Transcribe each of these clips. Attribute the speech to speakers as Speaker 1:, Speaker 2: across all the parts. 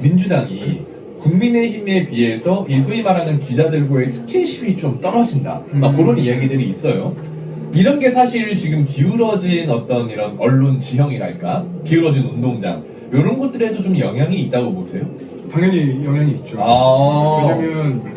Speaker 1: 민주당이 국민의힘에 비해서 이 소위 말하는 기자들과의 스킨십이 좀 떨어진다. 막 그런 이야기들이 있어요. 이런 게 사실 지금 기울어진 어떤 이런 언론 지형이랄까? 기울어진 운동장. 이런 것들에도 좀 영향이 있다고 보세요?
Speaker 2: 당연히 영향이 있죠. 왜냐면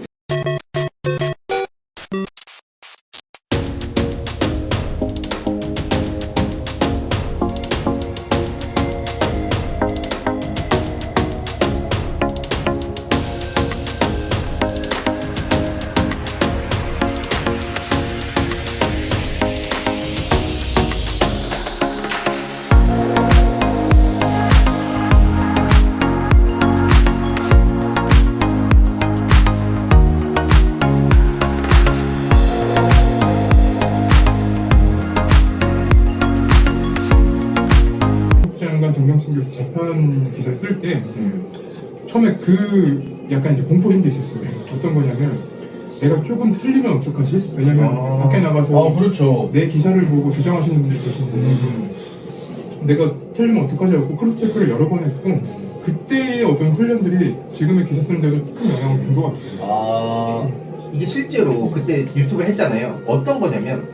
Speaker 2: 장관 정경심 교수 재판 기사 쓸 때 처음에 그 약간 이제 공포심도 있었어요. 어떤 거냐면 내가 조금 틀리면 어떡하지? 왜냐면 밖에 나가서
Speaker 1: 그렇죠.
Speaker 2: 내 기사를 보고 주장하시는 분들이 계신데 내가 틀리면 어떡하지 하고 크로스 체크를 여러 번 했고 그때의 어떤 훈련들이 지금의 기사 쓰는데도 큰 영향을 준 것 같아요.
Speaker 3: 이게 실제로 그때 유튜브를 했잖아요. 어떤 거냐면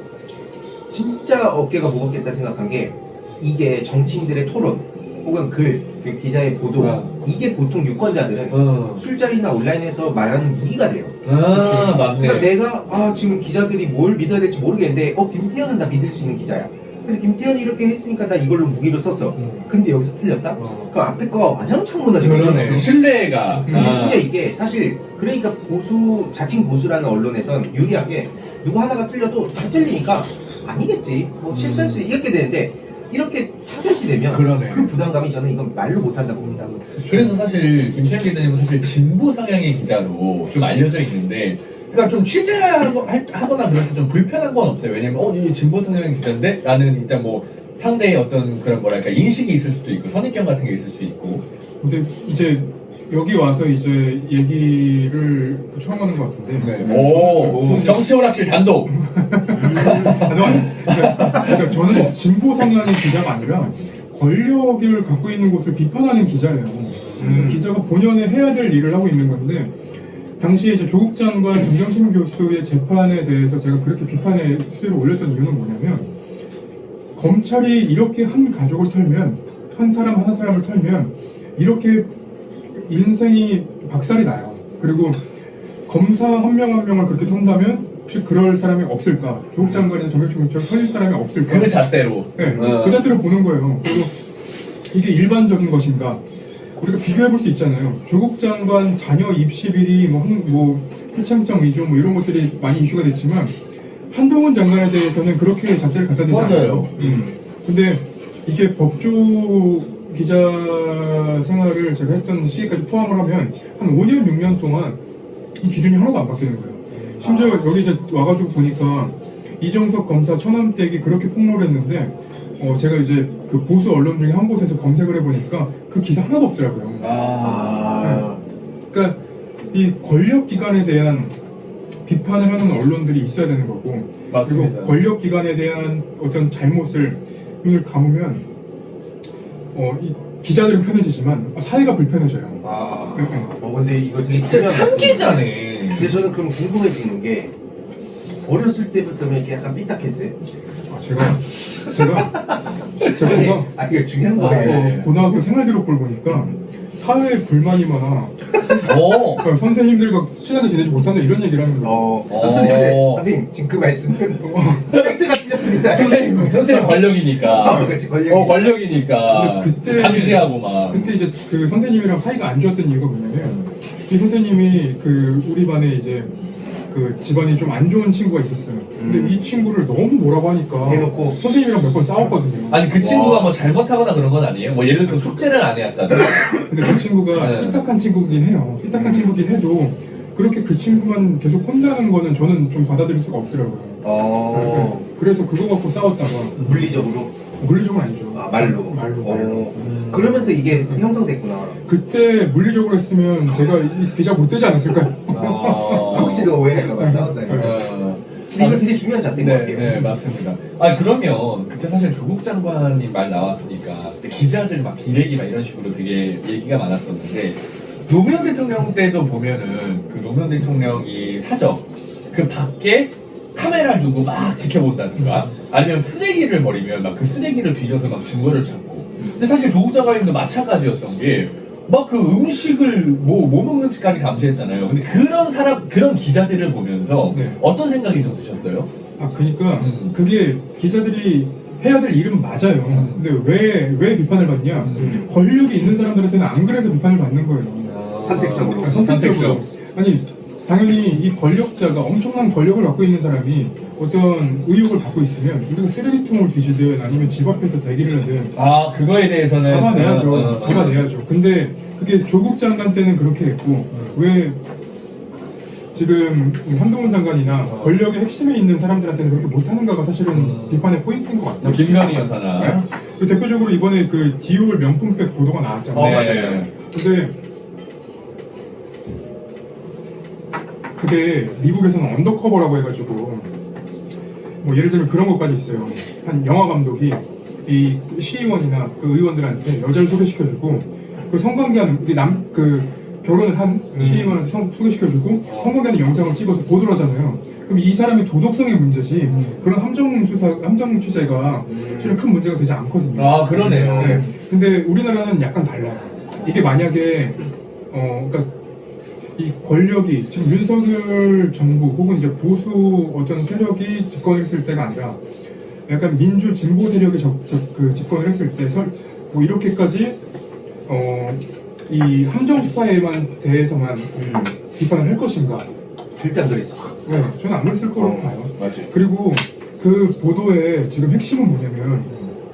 Speaker 3: 진짜 어깨가 무겁겠다 생각한 게 이게 정치인들의 토론 혹은 글, 그 기자의 보도 이게 보통 유권자들은 술자리나 온라인에서 말하는 무기가 돼요.
Speaker 1: 맞네.
Speaker 3: 그러니까 내가 지금 기자들이 뭘 믿어야 될지 모르겠는데 김태현은 나 믿을 수 있는 기자야. 그래서 김태현이 이렇게 했으니까 나 이걸로 무기로 썼어. 근데 여기서 틀렸다? 그럼 앞에 거가 와장창 무너지거든요.
Speaker 1: 그러네. 신뢰가.
Speaker 3: 근데 진짜 이게 사실 그러니까 자칭 보수라는 언론에선 유리한 게 누구 하나가 틀려도 다 틀리니까 아니겠지 뭐 실수할 수 이렇게 되는데 이렇게 타겟이 되면
Speaker 1: 그러네.
Speaker 3: 그 부담감이 저는 이건 말로 못한다고 봅니다.
Speaker 1: 그래서 사실 김태현 기자님은 사실 진보 성향의 기자로 좀 알려져 있는데 그러니까 좀 취재하거나 그럴 때 좀 불편한 건 없어요. 왜냐면 이 진보 성향의 기자인데 나는 일단 뭐 상대의 어떤 그런 뭐랄까 인식이 있을 수도 있고 선입견 같은 게 있을 수 있고.
Speaker 2: 근데 이제 여기 와서 이제 얘기를 처음 하는 것 같은데.
Speaker 1: 네. 정치 오락실 단독.
Speaker 2: 그러니까 저는 진보 성향의 기자가 아니라 권력을 갖고 있는 곳을 비판하는 기자예요. 기자가 본연에 해야 될 일을 하고 있는 건데 당시에 이제 조국 장관 정경심 교수의 재판에 대해서 제가 그렇게 비판의 수위를 올렸던 이유는 뭐냐면 검찰이 이렇게 한 가족을 털면 한 사람을 털면 이렇게 인생이 박살이 나요. 그리고 검사 한 명 한 명을 그렇게 턴다면 혹시 그럴 사람이 없을까? 조국 장관이나 정경심 교수처럼 털릴 사람이 없을까?
Speaker 1: 그 잣대로.
Speaker 2: 네, 그 잣대로 보는 거예요. 그리고 이게 일반적인 것인가? 우리가 비교해볼 수 있잖아요. 조국 장관 자녀 입시비리, 해창정 위조 이런 것들이 많이 이슈가 됐지만 한동훈 장관에 대해서는 그렇게 자세를 갖다 대지 않아요. 근데 이게 법조 기자 생활을 제가 했던 시기까지 포함을 하면 한 5년, 6년 동안 이 기준이 하나도 안 바뀌는 거예요. 심지어 여기 이제 와가지고 보니까 이정석 검사 처남댁이 그렇게 폭로를 했는데 제가 이제 그 보수 언론 중에 한 곳에서 검색을 해보니까 그 기사 하나도 없더라고요. 그러니까 이 권력기관에 대한 비판을 하는 언론들이 있어야 되는 거고
Speaker 1: 맞습니다.
Speaker 2: 그리고 권력기관에 대한 어떤 잘못을 눈을 감으면 이 기자들은 편해지지만 사회가 불편해져요.
Speaker 3: 근데 이거 되게
Speaker 1: 진짜
Speaker 3: 중요한
Speaker 1: 참기자네.
Speaker 3: 근데 저는 그럼 궁금해지는 게 어렸을 때부터 이렇게 약간 삐딱했어요?
Speaker 2: 제가
Speaker 3: 이게 중요한 거예요.
Speaker 2: 고등학교 생활기록부를 보니까 사회에 불만이 많아. 그러니까 선생님들과 친하게 지내지 못한다 이런 얘기를 하는 거예요.
Speaker 3: 선생님 지금 그 말씀은 팩트가 틀렸습니다.
Speaker 1: 선생님 권력이니까.
Speaker 3: 그렇지, 권력이니까.
Speaker 1: 권력이니까.
Speaker 2: 그때
Speaker 1: 감시하고 막.
Speaker 2: 그때 이제 그 선생님이랑 사이가 안 좋았던 이유가 뭐냐면 이 선생님이 그 우리 반에 이제 그 집안이 좀 안 좋은 친구가 있었어요. 근데 이 친구를 너무 뭐라고 하니까
Speaker 3: 해놓고
Speaker 2: 선생님이랑 몇 번 싸웠거든요.
Speaker 1: 아니 그 친구가 뭐 잘못하거나 그런 건 아니에요? 뭐 예를 들어서 숙제를 안 해왔다든가.
Speaker 2: 근데 그 친구가 삐딱한 친구긴 해요. 삐딱한 친구긴 해도 그렇게 그 친구만 계속 혼나는 거는 저는 좀 받아들일 수가 없더라고요. 그래서 그거 갖고 싸웠다가 물리적으로 아니죠.
Speaker 3: 말로. 그러면서 이게 형성됐구나.
Speaker 2: 그때 물리적으로 했으면 제가 이 기자 못 되지 않았을까요?
Speaker 3: 혹시도 오해할까봐 싸웠다니. 근데 이거 되게 중요한 잣대인 것 같아요.
Speaker 1: 네, 맞습니다. 그러면 그때 사실 조국 장관님 말 나왔으니까 그때 기자들 막 기레기 막 이런 식으로 되게 얘기가 많았었는데 노무현 대통령 때도 보면은 그 노무현 대통령이 사적 그 밖에 카메라를 두고 막 지켜본다든가 아니면 쓰레기를 버리면 막 그 쓰레기를 뒤져서 막 증거를 찾고. 근데 사실 조국 장관님도 마찬가지였던 게 막 그 음식을 뭐 먹는지까지 감시했잖아요. 근데 그런 기자들을 보면서
Speaker 2: 네.
Speaker 1: 어떤 생각이 좀 드셨어요?
Speaker 2: 아, 그러니까 그게 기자들이 해야 될 일은 맞아요. 근데 왜 비판을 받냐? 권력이 있는 사람들한테는 안 그래서 비판을 받는 거예요.
Speaker 3: 선택적으로.
Speaker 2: 선택적으로. 아니, 당연히 이 권력자가 엄청난 권력을 갖고 있는 사람이 어떤 의혹을 받고 있으면 우리가 쓰레기통을 뒤지든 아니면 집 앞에서 대기를 하든
Speaker 1: 아, 그거에 대해서는
Speaker 2: 잡아내야죠. 잡아내야죠. 근데 그게 조국 장관 때는 그렇게 했고 왜 지금 한동훈 장관이나 권력의 핵심에 있는 사람들한테는 그렇게 못하는가가 사실은 비판의 포인트인 것 같아요.
Speaker 1: 김건희 여사나.
Speaker 2: 네. 그리고 대표적으로 이번에 그 디올 명품백 보도가 나왔잖아요.
Speaker 1: 맞아요.
Speaker 2: 근데 그게 미국에서는 언더커버라고 해가지고 뭐 예를 들면 그런 것까지 있어요. 한 영화 감독이 이 시의원이나 그 의원들한테 여자를 소개시켜주고 그 성관계하는 그 결혼을 한 시의원한테 소개시켜주고 성관계하는 영상을 찍어서 보도를 하잖아요. 그럼 이 사람이 도덕성의 문제지 그런 함정 취재가 실은 큰 문제가 되지 않거든요.
Speaker 1: 아, 그러네요.
Speaker 2: 네. 근데 우리나라는 약간 달라요. 이게 만약에 그러니까 이 권력이 지금 윤석열 정부 혹은 이제 보수 어떤 세력이 집권을 했을 때가 아니라 약간 민주 진보 세력이 집권을 했을 때 뭐 이렇게까지 이 함정 수사에만 대해서만 비판을 할 것인가?
Speaker 3: 절대 안 그랬어.
Speaker 2: 네, 저는 안 그랬을 거라고 봐요.
Speaker 1: 맞지.
Speaker 2: 그리고 그 보도의 지금 핵심은 뭐냐면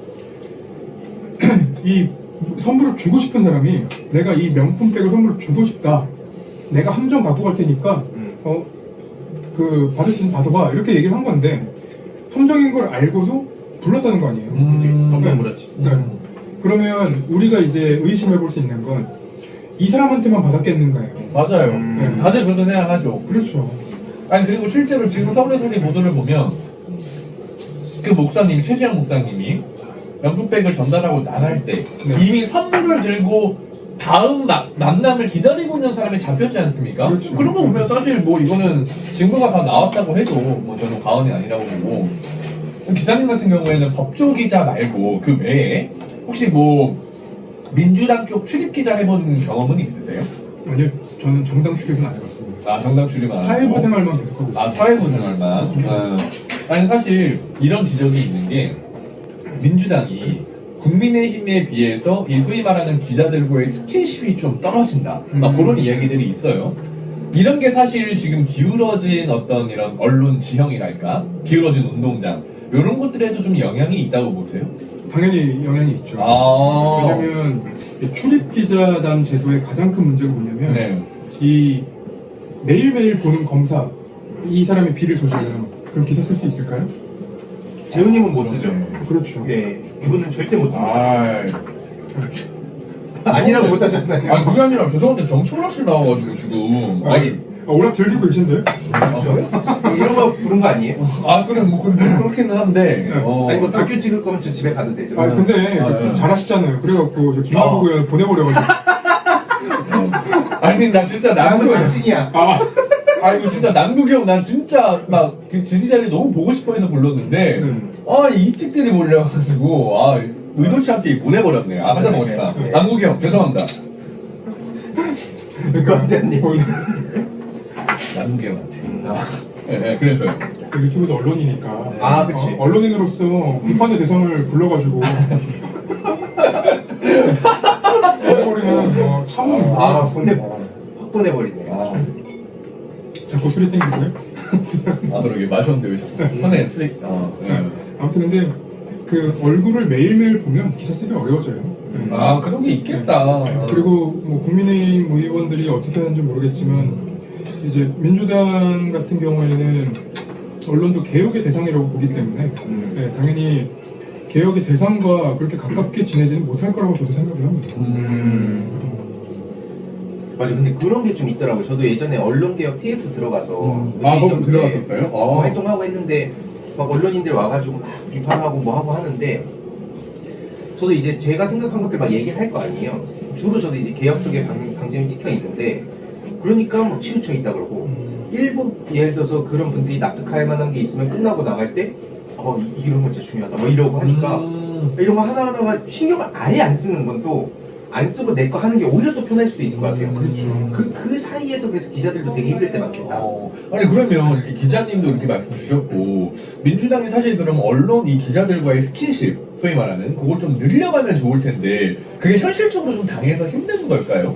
Speaker 2: 이 선물을 주고 싶은 사람이 내가 이 명품백을 선물을 주고 싶다. 내가 함정 갖고 갈 테니까 그 받을 수 있는 받아봐 이렇게 얘기를 한 건데 함정인 걸 알고도 불렀다는 거 아니에요.
Speaker 3: 깜짝 놀랐지.
Speaker 2: 네. 그러면 우리가 이제 의심해 볼 수 있는 건 이 사람한테만 받았겠는가요?
Speaker 1: 맞아요.
Speaker 2: 네.
Speaker 1: 다들 그렇게 생각하죠.
Speaker 2: 그렇죠.
Speaker 1: 아니, 그리고 실제로 지금 서울에서의 보도를 보면 그 목사님, 최지영 목사님이 명품백을 전달하고 나갈 때
Speaker 2: 네.
Speaker 1: 이미 선물을 들고 다음 만남을 기다리고 있는 사람이 잡혔지 않습니까?
Speaker 2: 그렇죠.
Speaker 1: 그런 거 보면 사실 뭐 이거는 증거가 다 나왔다고 해도 뭐 저는 과언이 아니라고 보고 기자님 같은 경우에는 법조 기자 말고 그 외에 혹시 뭐 민주당 쪽 출입 기자 해본 경험은 있으세요?
Speaker 2: 아니요, 저는 정당 출입은 안 해봤습니다.
Speaker 1: 아, 정당 출입 안 하고?
Speaker 2: 사회부 생활만 계속 하고 있어요.
Speaker 1: 아, 사회부 생활만. 아니, 사실 이런 지적이 있는 게 민주당이 국민의힘에 비해서 이 소위 말하는 기자들과의 스킨십이 좀 떨어진다. 막 그런 이야기들이 있어요. 이런 게 사실 지금 기울어진 어떤 이런 언론 지형이랄까? 기울어진 운동장. 이런 것들에도 좀 영향이 있다고 보세요?
Speaker 2: 당연히 영향이 있죠.
Speaker 1: 아.
Speaker 2: 왜냐면 이 출입 기자단 제도의 가장 큰 문제가 뭐냐면
Speaker 1: 네.
Speaker 2: 이 매일매일 보는 검사 이 사람의 비를 저질러요. 그럼 기사 쓸 수 있을까요?
Speaker 3: 재훈님은 못 쓰죠.
Speaker 2: 그렇죠.
Speaker 3: 네, 이분은 절대 못 씁니다.
Speaker 1: 아,
Speaker 3: 아니라고 못 하잖아요.
Speaker 1: 아니, 그게 아니라 죄송한데 정청락씨 나와가지고 지금. 아니,
Speaker 2: 오락 즐기고 계신데요?
Speaker 3: 이런 거 부른 거 아니에요?
Speaker 1: 아, 그래, 뭐, 그렇기는 한데.
Speaker 3: 아니 뭐 다큐 찍을 거면 저 집에 가도 되죠.
Speaker 2: 근데
Speaker 1: 네.
Speaker 2: 잘하시잖아요. 그래갖고 저 김하국 의원 보내버려가지고.
Speaker 1: 아니, 나 진짜
Speaker 3: 나는
Speaker 1: 남국이
Speaker 3: 당신이야.
Speaker 1: 아이고, 진짜 남국이 형, 난 진짜 막 그 지지자리 너무 보고 싶어 해서 불렀는데, 이 찍들이 몰려가지고, 의도치 않게 보내버렸네. 하자 먹읍시다.
Speaker 3: 네.
Speaker 1: 남국이 형, 죄송합니다.
Speaker 3: 그런데님.
Speaker 1: 남국이 형한테. 네, 그래서요.
Speaker 2: 유튜브도 언론이니까.
Speaker 3: 아, 그치.
Speaker 2: 언론인으로서 비판의 대상을 불러가지고. 보내버리면 참.
Speaker 3: 확 보내버리네.
Speaker 2: 자꾸 술이 땡기고요.
Speaker 1: 그러게, 마셨는데 왜 자꾸 손에 쓰레기,
Speaker 2: 아무튼 근데 그 얼굴을 매일매일 보면 기사 쓰기 어려워져요.
Speaker 1: 그런 게 있겠다.
Speaker 2: 그리고 뭐 국민의힘 의원들이 어떻게 하는지 모르겠지만 이제 민주당 같은 경우에는 언론도 개혁의 대상이라고 보기 때문에 당연히 개혁의 대상과 그렇게 가깝게 지내지는 못할 거라고 저도 생각을 합니다.
Speaker 3: 맞아, 근데 그런 게 좀 있더라고요. 저도 예전에 언론개혁 TF 들어가서
Speaker 1: 거기 들어갔었어요?
Speaker 3: 활동하고 했는데 막 언론인들 와가지고 막 비판하고 뭐 하고 하는데 저도 이제 제가 생각한 것들 막 얘기를 할 거 아니에요. 주로 저도 이제 개혁 쪽에 방점이 찍혀 있는데 그러니까 뭐 치우쳐 있다 그러고 일부 예를 들어서 그런 분들이 납득할 만한 게 있으면 끝나고 나갈 때 이런 거 진짜 중요하다 뭐 이러고 하니까 이런 거 하나하나가 신경을 아예 안 쓰는 건 또 안 쓰고 내 거 하는 게 오히려 더 편할 수도 있을 것 같아요.
Speaker 2: 그렇죠.
Speaker 3: 그 사이에서 그래서 기자들도 되게 힘들 때 많겠다.
Speaker 1: 아니 그러면 이렇게 기자님도 이렇게 말씀 주셨고 민주당이 사실 그럼 언론 이 기자들과의 스킨십 소위 말하는 그걸 좀 늘려가면 좋을 텐데 그게 현실적으로 좀 당해서 힘든 걸까요?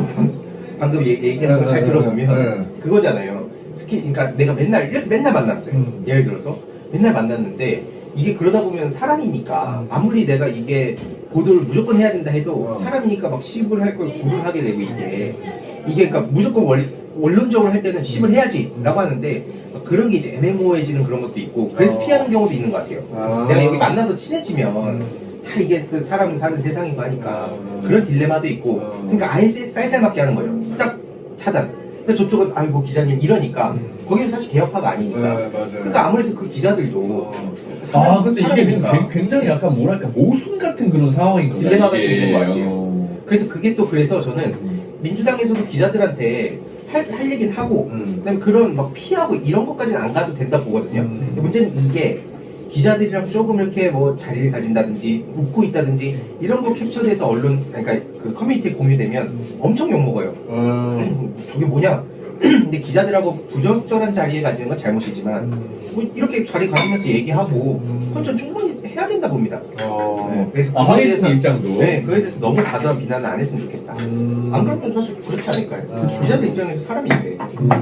Speaker 3: 방금 얘기해서 잘 들어보면 그거잖아요. 그러니까 내가 이렇게 맨날 만났어요. 예를 들어서 맨날 만났는데 이게 그러다 보면 사람이니까 아무리 내가 이게 보도를 무조건 해야 된다 해도 사람이니까 막 씹을 할 걸 구를 하게 되고 이게 그러니까 무조건 원론적으로 할 때는 씹을 해야지라고 하는데 그런 게 이제 애매모호해지는 그런 것도 있고 그래서 피하는 경우도 있는 것 같아요. 내가 여기 만나서 친해지면 다 이게 그 사람 사는 세상이고 하니까 그런 딜레마도 있고 그러니까 아예 쌀쌀맞게 하는 거예요. 딱 차단. 근데 저쪽은 아이고 기자님 이러니까 거기는 사실 개혁파가 아니니까 그러니까 아무래도 그 기자들도
Speaker 1: 근데 이게 굉장히 약간 뭐랄까 모순 같은 그런 상황인 거예요.
Speaker 3: 딜레마가 좀 있는 것 같아요. 그래서 그게 또 그래서 저는 민주당에서도 기자들한테 할 얘기는 하고 그다음에 그런 막 피하고 이런 것까지는 안 가도 된다 보거든요. 근데 문제는 이게 기자들이랑 조금 이렇게 뭐 자리를 가진다든지 웃고 있다든지 이런 거 캡처돼서 언론 그러니까 그 커뮤니티에 공유되면 엄청 욕먹어요. 저게 뭐냐? 근데 기자들하고 부적절한 자리에 가지는 건 잘못이지만 뭐 이렇게 자리 가지면서 얘기하고 그건 전 충분히 해야 된다 봅니다. 네, 그래서 그거에 대해서
Speaker 1: 입장도
Speaker 3: 그거에 대해서 너무 과도한 비난을 안 했으면 좋겠다. 안 그러면 사실 그렇지 않을까요? 기자들 입장에서 사람인데.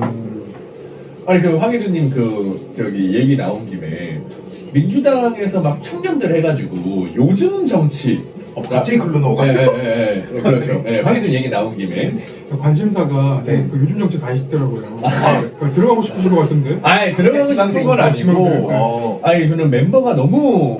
Speaker 1: 아니 그 황희두님 저기 얘기 나온 김에 민주당에서 막 청년들 해가지고 요즘 정치
Speaker 3: 갑자기 글로 넘어가.
Speaker 1: 네, 그렇죠. 황희두 얘기 나온 김에
Speaker 2: 관심사가 그 요즘 정치 가시더라고요. 들어가고 싶으신 것 같은데.
Speaker 1: 들어가고 싶은 건 아니고 저는 멤버가 너무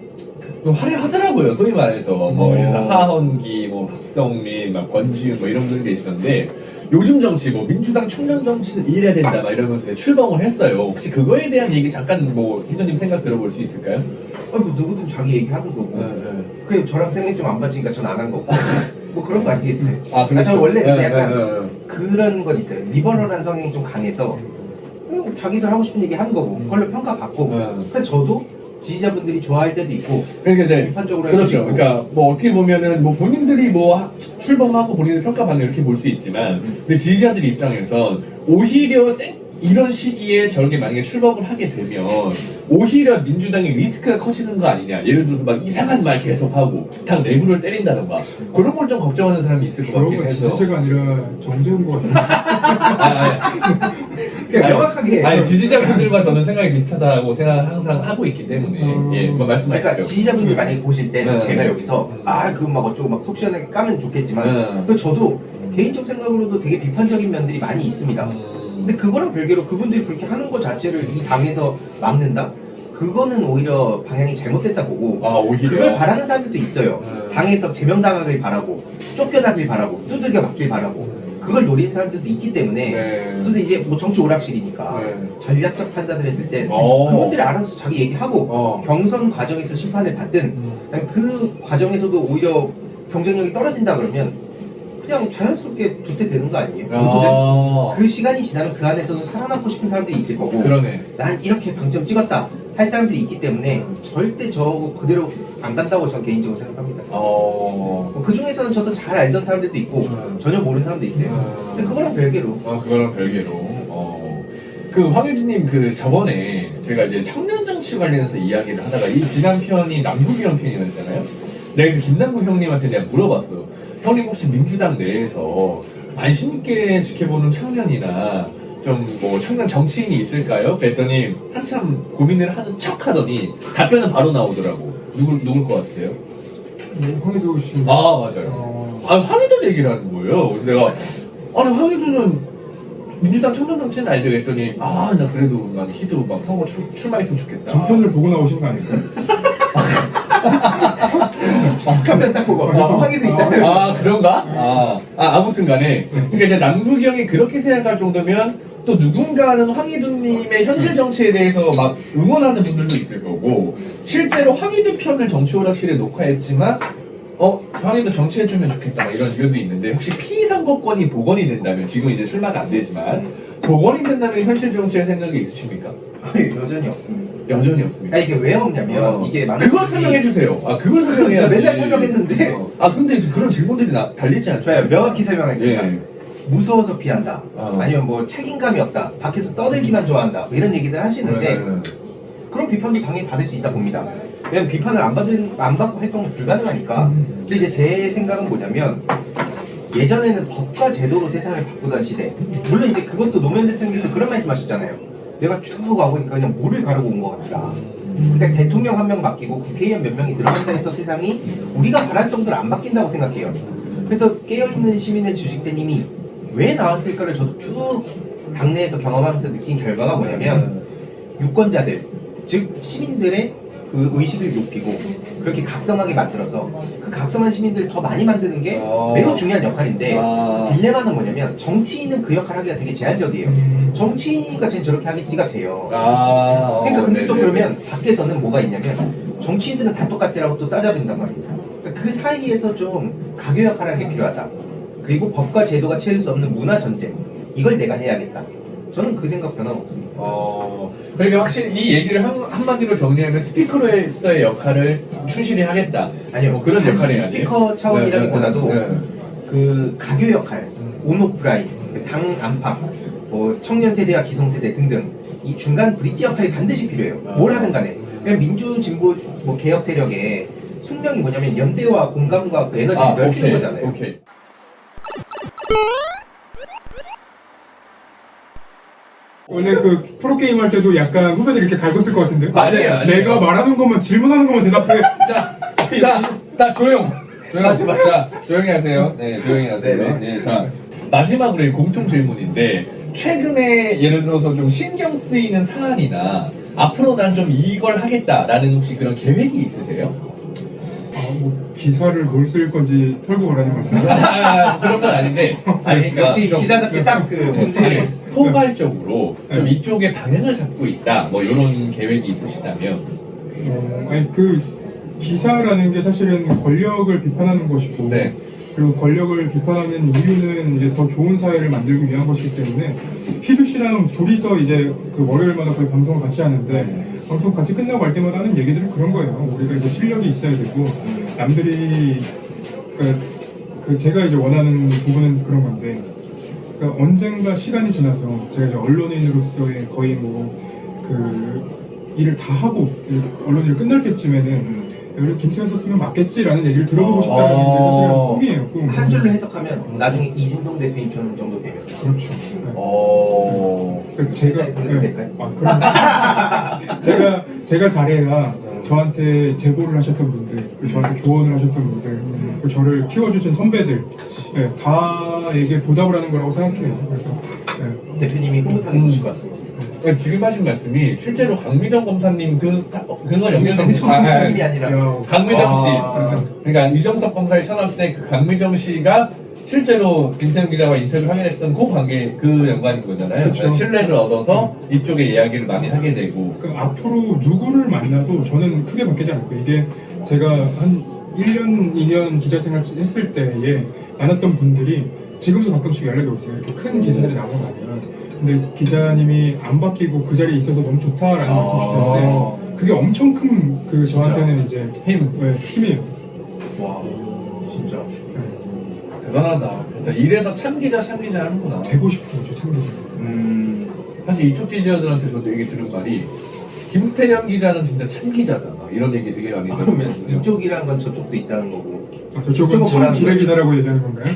Speaker 1: 화려하더라고요. 소위 말해서 뭐 하헌기, 뭐 박성민, 막 권지윤 뭐 이런 분들 계시던데 요즘 정치 뭐 민주당 청년 정치는 이래야 된다 막 이러면서 출범을 했어요. 혹시 그거에 대한 얘기 잠깐 뭐 희도님 생각 들어볼 수 있을까요?
Speaker 3: 뭐 누구든 자기 얘기하는 거고. 그 저랑 생각이 좀 안 맞으니까 전 안 한 거고. 뭐 그런 거 아니겠어요?
Speaker 1: 그렇죠.
Speaker 3: 저는 원래 약간 그런 건 있어요. 리버럴한 성향이 좀 강해서 자기들 하고 싶은 얘기 하는 거고 그걸로 평가받고. 그래서 저도 지지자분들이 좋아할 때도 있고
Speaker 1: 그러니까 이제
Speaker 3: 비판적으로
Speaker 1: 그렇죠. 그러니까 뭐 어떻게 보면은 뭐 본인들이 뭐 출범하고 본인을 평가받는 이렇게 볼 수 있지만 근데 지지자들 입장에선 오히려 이런 시기에 저렇게 만약에 출범을 하게 되면 오히려 민주당의 리스크가 커지는 거 아니냐. 예를 들어서 막 이상한 말 계속하고 당 내부를 때린다던가 그런 걸 좀 걱정하는 사람이 있을 것 같긴 해서
Speaker 2: 지지자가 아니라 정재훈 것 같은데.
Speaker 3: 명확하게
Speaker 1: 지지자분들과 저는 생각이 비슷하다고 생각을 항상 하고 있기 때문에 뭐 말씀하시죠.
Speaker 3: 그러니까 지지자분들 만약에 보실 때는 제가 여기서 그거 막 어쩌고 막 속 시원하게 까면 좋겠지만 그 저도 개인적 생각으로도 되게 비판적인 면들이 많이 있습니다. 근데 그거랑 별개로 그분들이 그렇게 하는 것 자체를 이 당에서 막는다? 그거는 오히려 방향이 잘못됐다 보고
Speaker 1: 오히려
Speaker 3: 그걸 바라는 사람들도 있어요. 당에서 제명당하길 바라고 쫓겨나길 바라고 두들겨 맞길 바라고 그걸 노리는 사람들도 있기 때문에 근데 이제 뭐 정치 오락실이니까 전략적 판단을 했을 때 그분들이 알아서 자기 얘기하고 경선 과정에서 심판을 받든 그 과정에서도 오히려 경쟁력이 떨어진다 그러면 그냥 자연스럽게 도태되는 거 아니에요? 누구든 그 시간이 지나면 그 안에서도 살아남고 싶은 사람들이 있을 거고 난 이렇게 방점 찍었다 할 사람들이 있기 때문에 절대 저거 그대로 안 간다고 저는 개인적으로 생각합니다. 그 중에서는 저도 잘 알던 사람들도 있고 전혀 모르는 사람도 있어요. 근데 그거랑 별개로.
Speaker 1: 그 황유진님 저번에 제가 이제 청년 정치 관련해서 이야기를 하다가 이 지난 편이 남북이형 편이었잖아요. 내가 그래서 김남국 형님한테 내가 물어봤어. 형님 혹시 민주당 내에서 관심 있게 지켜보는 청년이나 좀 뭐 청년 정치인이 있을까요? 그랬더니 한참 고민을 하는 척 하더니 답변은 바로 나오더라고. 누굴 것 같으세요?
Speaker 2: 황희도 씨.
Speaker 1: 맞아요. 황희도 얘기를 하는 거예요. 그래서 내가 황희도는 민주당 청년 정치인 알죠? 그랬더니 나 그래도 난 희도 막 선거 출마했으면 좋겠다.
Speaker 2: 정편을 보고 나오신 거 아닐까요?
Speaker 3: 한편 딱 보고 황희도 있다.
Speaker 1: 그런가? 아무튼 간에 그러니까 이제 남국이 형이 그렇게 생각할 정도면 또 누군가는 황희두님의 현실 정치에 대해서 막 응원하는 분들도 있을 거고 실제로 황희두 편을 정치 오락실에 녹화했지만 황희도 정치해주면 좋겠다 막 이런 의견도 있는데 혹시 피선거권이 복원이 된다면 지금 이제 출마가 안 되지만 복원이 된다면 현실 정치의 생각이 있으십니까?
Speaker 3: 아니, 여전히 없습니다.
Speaker 1: 여전히 없습니까?
Speaker 3: 아, 이게 왜 없냐면 이게 많은
Speaker 1: 그걸
Speaker 3: 분들이-
Speaker 1: 설명해 주세요. 그걸 설명해야지.
Speaker 3: 나 맨날 설명했는데.
Speaker 1: 근데 그런 질문들이 달리지 않습니까?
Speaker 3: 좋아요. 명확히 설명하겠습니다.
Speaker 1: 예.
Speaker 3: 무서워서 피한다. 아니면 뭐 책임감이 없다. 밖에서 떠들기만 좋아한다. 뭐 이런 얘기들 하시는데 그런 비판도 당연히 받을 수 있다 봅니다. 왜냐면 비판을 안 받고 활동은 불가능하니까. 근데 이제 제 생각은 뭐냐면 예전에는 법과 제도로 세상을 바꾸던 시대. 물론 이제 그것도 노무현 대통령께서 그런 말씀하셨잖아요. 내가 쭉 와보니까 그냥 물을 가르고 온 것 같다. 그러니까 대통령 한 명 맡기고 국회의원 몇 명이 들어간다 해서 세상이 우리가 바랄 정도로 안 바뀐다고 생각해요. 그래서 깨어있는 시민의 주식된 힘이 왜 나왔을까를 저도 쭉 당내에서 경험하면서 느낀 결과가 뭐냐면 유권자들, 즉 시민들의 그 의식을 높이고 그렇게 각성하게 만들어서 그 각성한 시민들을 더 많이 만드는 게 매우 중요한 역할인데 딜레마는 뭐냐면 정치인은 그 역할을 하기가 되게 제한적이에요. 정치인이니까 쟤는 저렇게 하겠지가 돼요. 그러니까 근데 또 그러면 밖에서는 뭐가 있냐면 정치인들은 다 똑같으라고 또 싸잡는단 말입니다. 그러니까 그 사이에서 좀 가교 역할을 하기 필요하다. 그리고 법과 제도가 채울 수 없는 문화 전쟁, 이걸 내가 해야겠다. 저는 그 생각 변함없습니다.
Speaker 1: 그러니까 확실히 이 얘기를 한마디로 정리하면 스피커로서의 역할을 충실히 하겠다.
Speaker 3: 아니요,
Speaker 1: 뭐 그런 역할이 아니에요.
Speaker 3: 스피커 차원이라기보다도
Speaker 1: 네.
Speaker 3: 그 가교 역할, 온오프라인, 당 안팎, 뭐 청년 세대와 기성 세대 등등 이 중간 브릿지 역할이 반드시 필요해요. 뭘 하든 간에. 왜냐면 민주 진보 뭐 개혁 세력의 숙명이 뭐냐면 연대와 공감과 그 에너지를 넓히는 거잖아요.
Speaker 1: 오케이.
Speaker 2: 원래 그 프로게임 할 때도 약간 후배들 이렇게 갈궜을 것 같은데?
Speaker 1: 맞아요.
Speaker 2: 내가 말하는 것만 질문하는 것만 대답해.
Speaker 1: 자, 조용.
Speaker 3: 맞아.
Speaker 1: 자, 조용히 하세요. 네, 조용히 하세요. 네, 자, 마지막으로 이 공통 질문인데, 최근에 예를 들어서 좀 신경 쓰이는 사안이나, 앞으로 난 좀 이걸 하겠다라는 혹시 그런 계획이 있으세요?
Speaker 2: 뭐 기사를 뭘 쓸 건지 털고 오라는 말씀.
Speaker 1: 그런 건 아닌데, 그러니까
Speaker 3: 역시
Speaker 1: 좀-
Speaker 3: 기자답게 딱 그 본질을.
Speaker 1: 포괄적으로 좀 이쪽에 방향을 잡고 있다, 뭐 이런 계획이 있으시다면.
Speaker 2: 아니 그 기사라는 게 사실은 권력을 비판하는 것이고,
Speaker 1: 네.
Speaker 2: 그리고 권력을 비판하는 이유는 이제 더 좋은 사회를 만들기 위한 것이기 때문에 피두 씨랑 둘이서 이제 그 월요일마다 거의 방송을 같이 하는데 방송 같이 끝나고 할 때마다 하는 얘기들은 그런 거예요. 우리가 이제 실력이 있어야 되고 남들이 그 제가 이제 원하는 부분은 그런 건데, 그러니까 언젠가 시간이 지나서 제가 이제 언론인으로서의 거의 뭐 그 일을 다 하고 언론일을 끝날 때쯤에는 여기 김태현 썼으면 맞겠지라는 얘기를 들어보고 싶다는 게 사실은 꿈이에요. 꿈.
Speaker 3: 한 줄로 해석하면 나중에 이진동 대표님처럼 정도 되면.
Speaker 2: 그렇죠. 네. 그러니까
Speaker 3: 회사에 보내도 될까요?
Speaker 2: 제가 잘해야 저한테 제보를 하셨던 분들, 그리고 저한테 조언을 하셨던 분들, 그리고 저를 키워주신 선배들, 네, 다에게 보답을 하는 거라고 생각해요. 그래서
Speaker 3: 대표님이 흐뭇하게 보실 것 같습니다.
Speaker 1: 지금 하신 말씀이 실제로 강미정 검사님 그거 연결된
Speaker 3: 강미정 검사님이 아니라
Speaker 1: 강미정 씨.
Speaker 3: 아.
Speaker 1: 그러니까 이정석 검사의 천합 때 그 강미정 씨가 실제로 김태형 기자와 인터뷰를 하게 됐던 그 관계, 그 연관인 거잖아요.
Speaker 2: 그쵸.
Speaker 1: 그러니까 신뢰를 얻어서 이쪽의 이야기를 많이 하게 되고.
Speaker 2: 그 앞으로 누구를 만나도 저는 크게 바뀌지 않을 거예요. 이게 제가 한 1년, 2년 기자 생활 했을 때에 만났던 분들이 지금도 가끔씩 연락이 오세요. 이렇게 큰 기사들이 나오고 나면. 근데 기자님이 안 바뀌고 그 자리에 있어서 너무 좋다라는 말씀 주셨는데 그게 엄청 큰 그 저한테는 이제 힘이에요.
Speaker 1: 와, 진짜
Speaker 2: 네.
Speaker 1: 대단하다. 진짜 이래서 참기자 하는구나.
Speaker 2: 되고 싶어요, 저 참기자.
Speaker 1: 사실 이쪽 기자들한테 저도 얘기 들은 말이 김태형 기자는 진짜 참기자다. 막 이런 얘기 되게 많이
Speaker 3: 그러면
Speaker 1: 들었거든요.
Speaker 3: 이쪽이란 건 저쪽도 있다는 거고.
Speaker 2: 저쪽은 참 기레기다라고 얘기하는 건가요?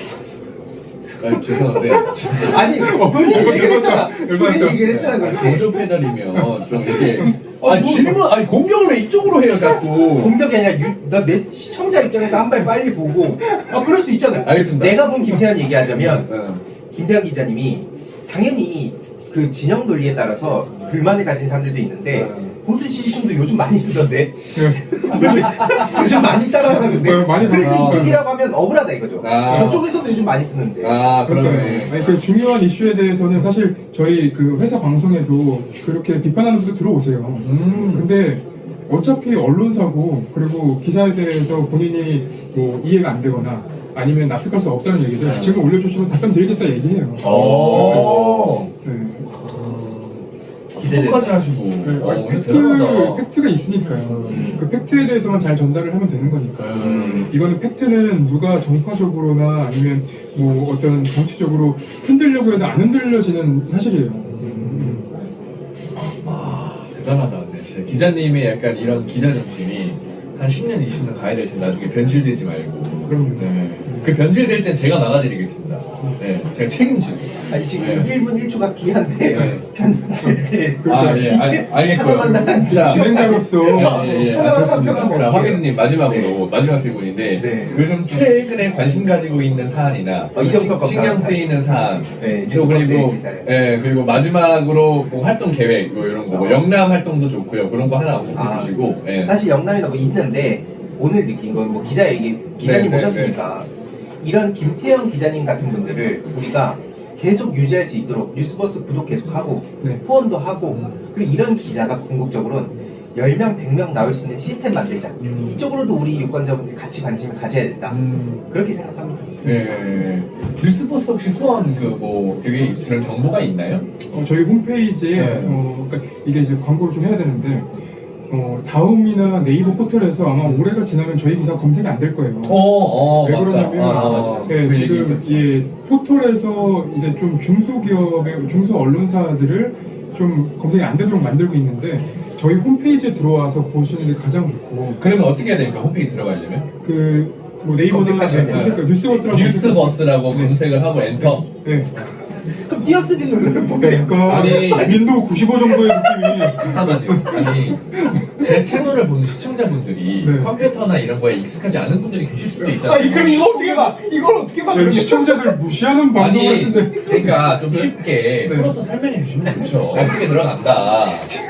Speaker 1: 죄송한데
Speaker 3: 아니 본인이 얘기를 했잖아. 본인이 얘기를 했잖아. 그렇게.
Speaker 1: 보조 페달이면 좀 이렇게 질문 공격을 왜 이쪽으로 해요 자꾸.
Speaker 3: 공격이 아니라 나 내 시청자 입장에서 한 발 빨리 보고 그럴 수 있잖아요.
Speaker 1: 알겠습니다.
Speaker 3: 내가 본 김태현 얘기하자면
Speaker 1: 네.
Speaker 3: 김태현 기자님이 당연히 그 진영 논리에 따라서 불만을 가진 사람들도 있는데 보수 지지층도 요즘 많이 쓰던데 요즘 많이 따라하는데
Speaker 2: 많이
Speaker 3: 그래서
Speaker 2: 따라하죠.
Speaker 3: 이쪽이라고 하면 억울하다 이거죠. 저쪽에서도 요즘 많이 쓰는데.
Speaker 1: 그러네.
Speaker 2: 아니 그 중요한 이슈에 대해서는 사실 저희 그 회사 방송에도 그렇게 비판하는 분들 들어오세요. 근데 어차피 언론사고 그리고 기사에 대해서 본인이 뭐 이해가 안 되거나 아니면 납득할 수 없다는 얘기들 지금 올려주시면 답변 드리겠다 얘기해요. 네.
Speaker 3: 기대돼.
Speaker 1: 끝까지 하시고. 대단하다.
Speaker 2: 팩트가 있으니까요. 그 팩트에 대해서만 잘 전달을 하면 되는 거니까요.
Speaker 3: 음.
Speaker 2: 이거는 팩트는 누가 정파적으로나 아니면 뭐 어떤 정치적으로 흔들려고 해도 안 흔들려지는 사실이에요.
Speaker 1: 대단하다. 근데 진짜 기자님의 약간 이런 기자 정신이 한 10년, 20년 가야 될 텐데 나중에 변질되지 말고.
Speaker 2: 그럼요.
Speaker 1: 네. 그 변질될 땐 제가 나가드리겠습니다. 네. 제가 책임지고.
Speaker 3: 아니 지금
Speaker 1: 네.
Speaker 3: 1분 1초가 귀한데
Speaker 1: 네.
Speaker 3: 편집될 때
Speaker 1: 아, 예. 알겠고요.
Speaker 3: 하나만 나간
Speaker 1: 자,
Speaker 2: 진행자로서
Speaker 1: 예. 아, 좋습니다. 자, 화기님 마지막으로, 마지막 질문인데,
Speaker 3: 네.
Speaker 1: 요즘 최근에 관심 가지고 있는 사안이나,
Speaker 3: 이정석 검사
Speaker 1: 신경 쓰이는 사안,
Speaker 3: 네,
Speaker 1: 또
Speaker 3: 뉴스버스의
Speaker 1: 그리고,
Speaker 3: 기사를.
Speaker 1: 예, 그리고 마지막으로 뭐 활동 계획, 뭐 이런 거, 뭐 영남 활동도 좋고요. 그런 거 하나 보여주시고, 예.
Speaker 3: 사실 영남이나 뭐 있는데 오늘 느낀 건 뭐 기자님
Speaker 1: 네,
Speaker 3: 모셨으니까 이런 김태형 기자님 같은 분들을 우리가 계속 유지할 수 있도록 뉴스버스 구독 계속하고
Speaker 2: 네.
Speaker 3: 후원도 하고 그리고 이런 기자가 궁극적으로는 10명, 100명 나올 수 있는 시스템 만들자. 이쪽으로도 우리 유권자분들이 같이 관심을 가져야 된다. 그렇게 생각합니다.
Speaker 1: 예. 뉴스버스 혹시 후원 되게 그런 정보가 있나요?
Speaker 2: 저희 홈페이지에
Speaker 1: 네.
Speaker 2: 그러니까 이게 이제 광고를 좀 해야 되는데 다음이나 네이버 포털에서 아마 올해가 지나면 저희 기사 검색이 안 될 거예요. 왜
Speaker 1: 맞다.
Speaker 2: 그러냐면
Speaker 1: 맞아.
Speaker 2: 예,
Speaker 1: 그 얘기
Speaker 2: 지금
Speaker 1: 있었죠.
Speaker 2: 예, 포털에서 이제 좀 중소기업의 중소 언론사들을 좀 검색이 안 되도록 만들고 있는데 저희 홈페이지에 들어와서 보시는 게 가장 좋고
Speaker 1: 그러면 어떻게 해야 됩니까? 홈페이지 들어가려면?
Speaker 2: 뭐 네이버나
Speaker 3: 검색하시면
Speaker 2: 검색할 뉴스버스라고
Speaker 1: 뉴스버스라고 검색을 하고 엔터.
Speaker 2: 네.
Speaker 3: 그럼 띄어쓰기 누르면
Speaker 2: 네, 약간
Speaker 1: 아니.
Speaker 2: 윈도우 95 정도의 느낌이
Speaker 1: 잠깐만요. 아니, 제 채널을 보는 시청자분들이
Speaker 2: 네.
Speaker 1: 컴퓨터나 이런 거에 익숙하지 않은 분들이 계실 수도 있잖아요.
Speaker 3: 그럼 이거 어떻게 봐? 이걸 어떻게 봐?
Speaker 2: 네, 시청자들 무시하는 방송을
Speaker 1: 아니,
Speaker 2: 하시는데
Speaker 1: 그러니까 좀 쉽게
Speaker 2: 네.
Speaker 1: 풀어서 설명해 주시면 좋죠. 어떻게 들어간다.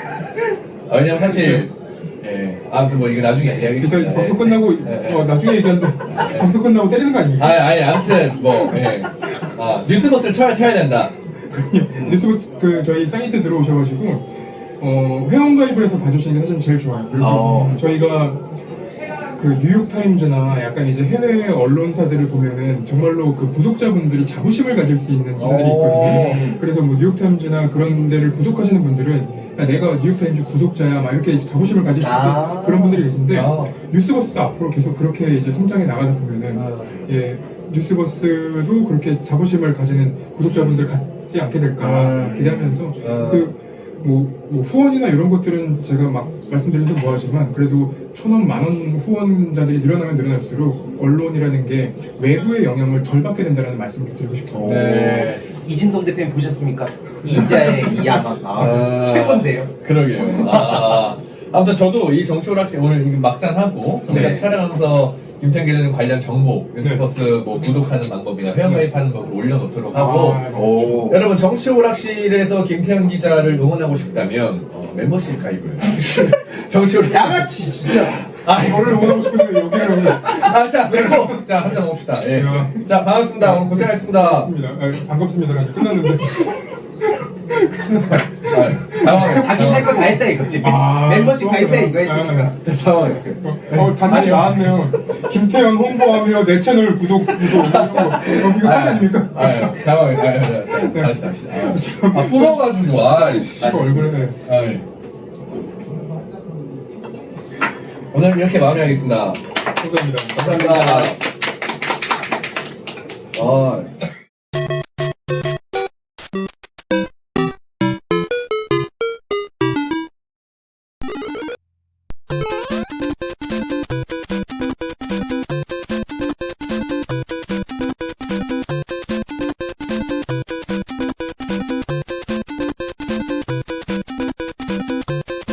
Speaker 1: 왜냐면 사실, 아무튼 뭐 이거 나중에 이야기하겠습니다.
Speaker 2: 일단 방송 끝나고
Speaker 1: 네.
Speaker 2: 나중에 얘기하는데 방송 끝나고 때리는 거 아닙니까?
Speaker 1: 아니, 아무튼 뭐, 뉴스버스를 쳐야 된다.
Speaker 2: 뉴스버스 저희 사이트 들어오셔가지고 회원 가입을 해서 봐주시는 게 사실 제일 좋아요. 그리고 저희가 그 뉴욕타임즈나 약간 이제 해외 언론사들을 보면은 정말로 그 구독자분들이 자부심을 가질 수 있는 기사들이 있거든요. 그래서 뭐 뉴욕타임즈나 그런 데를 구독하시는 분들은 야, 내가 뉴욕타임즈 구독자야 막 이렇게 자부심을 가질 수 있는 그런 분들이 계신데 뉴스버스도 앞으로 계속 그렇게 이제 성장해 나가다 보면은 예 뉴스버스도 그렇게 자부심을 가지는 구독자분들 갖지 않게 될까 기대하면서 뭐 후원이나 이런 것들은 제가 막 말씀드리면 좀 뭐하지만 그래도 1,000원, 10,000원 후원자들이 늘어나면 늘어날수록 언론이라는 게 외부의 영향을 덜 받게 된다는 말씀을 좀 드리고 싶어요.
Speaker 1: 네.
Speaker 3: 이진동 대표님 보셨습니까? 이자의 이 야망 최고인데요.
Speaker 1: 그러게요. 아무튼 저도 이 정치오락실 오늘 막장하고 정작 촬영하면서 김태형 기자님 관련 정보, 뉴스버스 뭐 구독하는 방법이나 회원가입하는 법을 올려놓도록 하고 여러분 정치오락실에서 김태형 기자를 응원하고 싶다면 멤버십 가입을 정치오락실
Speaker 3: 양아치 진짜.
Speaker 2: 저를 응원하고 싶은데 여기를 오면
Speaker 1: 자 됐고 자 한잔 먹읍시다. 예. 자 반갑습니다. 오늘 고생하셨습니다.
Speaker 2: 반갑습니다. 끝났는데
Speaker 1: 당황했어요.
Speaker 3: 자기 할 거 다 했다 이거지. 멤버십 가입해 이거 했으니까.
Speaker 1: 당황했어요.
Speaker 2: 단톡 나왔네요. 김태현 홍보하며 내 채널 구독 이거 사기 아닙니까?
Speaker 1: 당황했어요. 다시. 뽑아가지고
Speaker 2: 얼굴에
Speaker 1: 오늘 이렇게 마무리하겠습니다.
Speaker 2: 감사합니다.
Speaker 1: 감사합니다.